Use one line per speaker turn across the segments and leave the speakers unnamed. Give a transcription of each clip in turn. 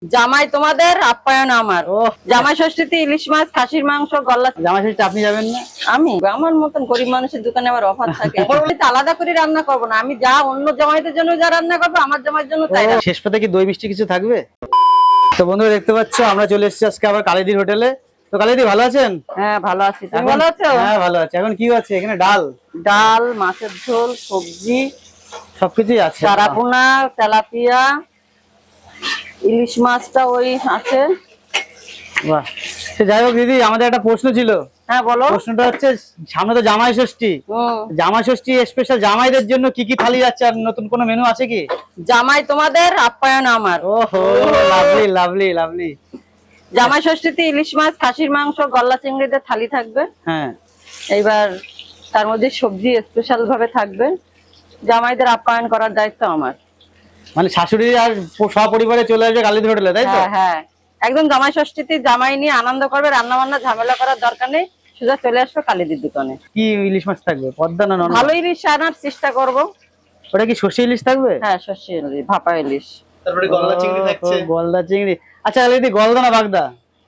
জামাই তোমাদের আপ্যায়ন আমার। জামাই ষষ্ঠীতে ইলিশ মাছ, খাসির মাংস, গলা।
জামাই ষষ্ঠীতে আপনি যাবেন না?
আমি আমার মতন গরিব মানুষের দোকানে আবার অফার থাকে। আলাদা করে রান্না করবো না, আমি যা অন্য জামাইদের জন্য যা রান্না করবো আমার জামাইয়ের জন্য তাই।
শেষ পাতে কি দই মিষ্টি কিছু থাকবে? তো বন্ধুরা দেখতে পাচ্ছ আমরা চলে এসেছি আজকে আবার কালিদির হোটেলে। তো কালিদি ভালো আছেন?
হ্যাঁ ভালো আছি, তুমি ভালো আছো?
হ্যাঁ ভালো আছি। এখন কি আছে এখানে? ডাল,
মাছের ঝোল, সবজি
সবকিছুই আছে।
চারাপোনা, তেলাপিয়া, ইলিশ মাছটা ওই আছে।
বাহ, সে যাই হোক দিদি, আমাদের একটা প্রশ্ন ছিল।
হ্যাঁ বলো।
প্রশ্নটা হচ্ছে, সামনে তো জামাই ষষ্ঠী, জামাই ষষ্ঠী স্পেশাল জামাইদের জন্য কি কি থালি যাচ্ছে, আর নতুন কোনো মেনু আছে কি?
জামাই তোমাদের আপ্যায়ন আমার।
ওহো, লাভলি লাভলি লাভলি।
জামাই ষষ্ঠীতে ইলিশ মাছ, খাসির মাংস, গলা চিংড়িদের থালি থাকবে।
হ্যাঁ,
এইবার তার মধ্যে সবজি স্পেশাল ভাবে থাকবে। জামাইদের আপ্যায়ন করার দায়িত্ব আমার।
মানে শাশুড়ি আর সপরিবারে চলে আসবে কালিদি হোটেলে, তাই তো?
হ্যাঁ হ্যাঁ, একদম জামাই ষষ্ঠীতে জামাই নিয়ে আনন্দ করবে, রান্না বান্না ঝামেলা করার দরকার নেই, সোজা চলে আসবে কালিদির দোকানে।
কি ইলিশ মাছ থাকবে? পদ্মা না নন?
ভালো ইলিশ আনার চেষ্টা করব।
ওটা কি সর্ষে ইলিশ থাকবে?
হ্যাঁ সর্ষে ইলিশ, ভাপা ইলিশ।
তারপরে গলদা চিংড়ি থাকছে।
গলদা চিংড়ি। আচ্ছা কালিদি, গলদা না বাগদা?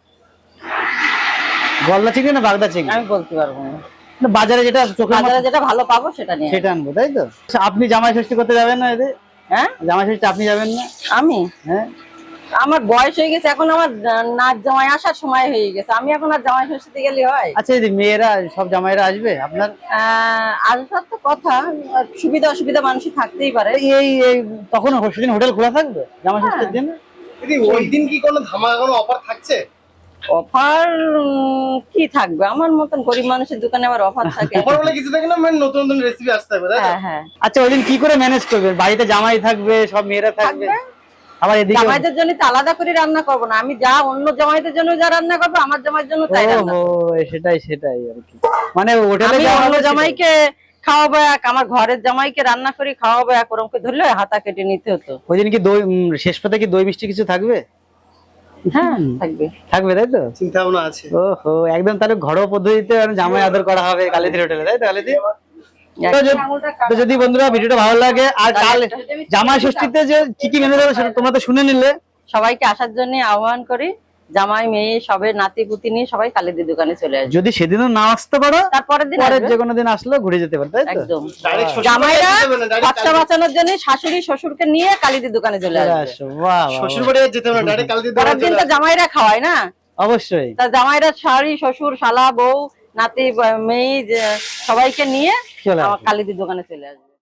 গলদা চিংড়ি না বাগদা চিংড়ি?
আমি বলতে পারবো না।
বাজারে যেটা চোখের
বাজারে যেটা ভালো পাবো সেটা নিয়ে
সেটা আনবো, তাই তো? আচ্ছা, আপনি জামাই ষষ্ঠী করতে যাবেন না এদের?
হ্যাঁ,
জামাই ষষ্ঠী আপনি যাবেন না?
আমি
হ্যাঁ,
আমার বয়স হয়ে গেছে, এখন আমার নাচ জামাই আসার সময় হয়ে গেছে, আমি এখন আর জামাই ষষ্ঠীতে গেলে হয়?
আচ্ছা দিদি, মেয়েরা সব জামাইরা আসবে আপনার?
আসার তো কথা, সুবিধা অসুবিধা মানুষই থাকতেই পারে।
এই এই তখন সেদিন হোটেল খোলা থাকবে জামাই ষষ্ঠীর দিন?
দিদি ওই দিন কি কোনো ধামাকা কোনো অফার থাকছে?
অফার কি থাকবে, আমার মতন গরিব মানুষের দোকানে আবার অফার থাকে।
অফার বলে কিছু থাকে না, মানে নতুন নতুন রেসিপি আসতে হবে, তাই তো?
হ্যাঁ হ্যাঁ।
আচ্ছা ওই দিন কি করে ম্যানেজ করবেন? বাড়িতে জামাই থাকবে, সব মেয়েরা থাকবে, আবার এদিকে
জামাইদের জন্য তো আলাদা করে রান্না করবো না, আমি যা অন্য জামাইদের জন্য যা রান্না করবো আমার জামাইয়ের জন্য তাই রান্না করবো।
সেটাই সেটাই আর কি। মানে হোটেলে
আমি অন্য জামাইকে খাওয়াবো এক, আমার ঘরের জামাইকে রান্না করে খাওয়াবো এক, ওরমকে ধরলে হাতা কেটে নিতে হতো।
ওই দিন কি দই শেষ পাতে কি দই মিষ্টি কিছু থাকবে?
হ্যাঁ থাকবে।
থাকবে, তাই তো?
চিন্তা ভাবনা আছে।
ওহো, একদম তাহলে ঘরোয়া পদ্ধতিতে জামাই আদর করা হবে কালিদির হোটেলে, তাই তো কালিদি? তো যদি বন্ধুরা ভিডিওটা ভালো লাগে, আর কাল জামাই ষষ্ঠীতে যে কি কি মেনু দেবে সেটা তোমরা তো শুনে নিলে।
সবাইকে আসার জন্য আহ্বান করি, জামাই মেয়ে সবে নাতি পুতি নিয়ে সবাই কালিদির দোকানে চলে আসবে।
যদি সেদিনও না আসতে পারো,
তারপরের দিন
পরের
আসবে।
যে কোনো দিন আসলেও ঘুরে যেতে পারো, তাই তো?
একদম।
ডাইরেক্ট শ্বশুর
জামাইরা
বাড়ি যেতে হবে না, ডাইরেক্ট
খরচা বাঁচানোর জন্য শাশুড়ি শ্বশুরকে নিয়ে কালিদির দোকানে চলে আসবে।
আসো, বাহ বাহ,
শ্বশুর বাড়ি আর যেতে হবে না, ডাইরেক্ট কালকে
পরের দিন তো জামাইরা খাওয়ায় না,
অবশ্যই।
তা জামাইরা শাড়ি শ্বশুর শালা বউ নাতি মেয়ে সবাইকে নিয়ে
চলে আসবে।
কালিদির দোকানে চলে আসবে।